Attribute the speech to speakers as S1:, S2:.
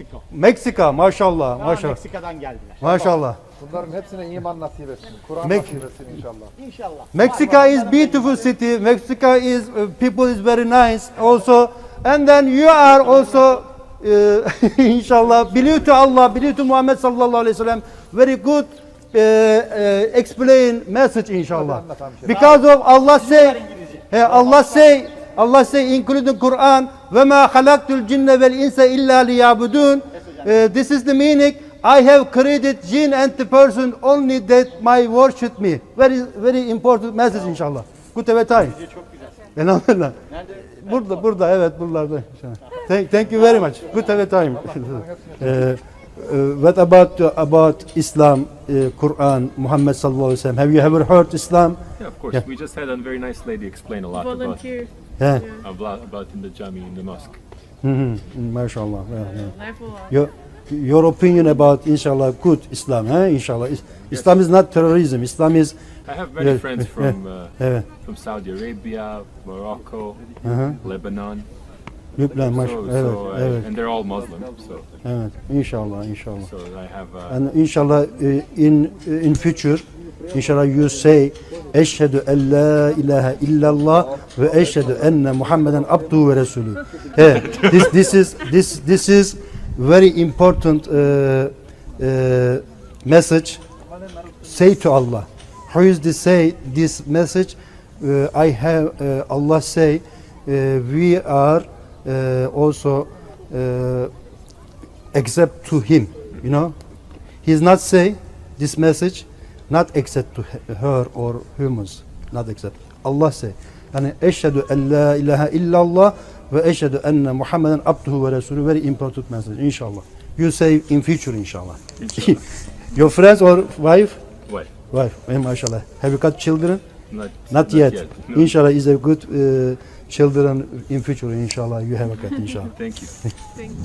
S1: Meksiko.
S2: Meksika, maşallah,
S1: Aa,
S2: maşallah.
S1: Meksika'dan geldiler.
S2: Maşallah.
S3: Bunların hepsine iman nasip etsin. Kur'an
S2: Mek-
S3: nasip etsin inşallah.
S1: İnşallah.
S2: Mexico is beautiful city. Mexico is people is very nice also. And then you are also inshallah believe to Allah, believe to Muhammad sallallahu alaihi wasallam. Very good explain message inshallah. Because of Allah say, Allah say including Quran, ve ma halaktul cinne vel insa illa liyabudun. This is the meaning. I have created jinn and the person only that my worship me. Very important message inşallah. Good have a time.
S1: Çok güzel.
S2: Elhamdülillah.
S1: Nerede?
S2: Burada evet buralarda. Thank you very much. Good have a time. What about Islam, Quran, Muhammad sallallahu alaihi wasallam? Have you ever heard Islam?
S4: Yeah, of course.
S2: Yeah.
S4: We just had a very nice lady explain a lot
S5: Volunteer.
S2: Yeah.
S4: about in the jami, in the mosque.
S2: Mashallah.
S5: Life
S2: Your opinion about inshallah good Islam, inshallah. Islam is not terrorism. Islam is
S4: I have many friends
S2: evet.
S4: from Saudi Arabia, Morocco, Lebanon.
S2: Lübnan, evet.
S4: And they're all Muslim. So
S2: Evet. İnşallah.
S4: so I have
S2: And inshallah in future inshallah you say eşhedü en la ilahe illallah ve eşhedü enne Muhammeden abduhu ve resulü. This is very important message. Say to Allah. How is this say this message? I have Allah say we are also accept to him, you know. He is not say this message not accept to her or humans, not accept. Allah say yani eşhedü en la ilahe illallah ve eşhedü enne Muhammeden abduhu ve resulü. Very important message inshallah. You say in future inshallah. Your friends or wife? Wife, mashallah. Have you got children? Not yet.
S4: No.
S2: Inshallah is a good children in future inshallah you have a got inshallah.
S4: Thank you.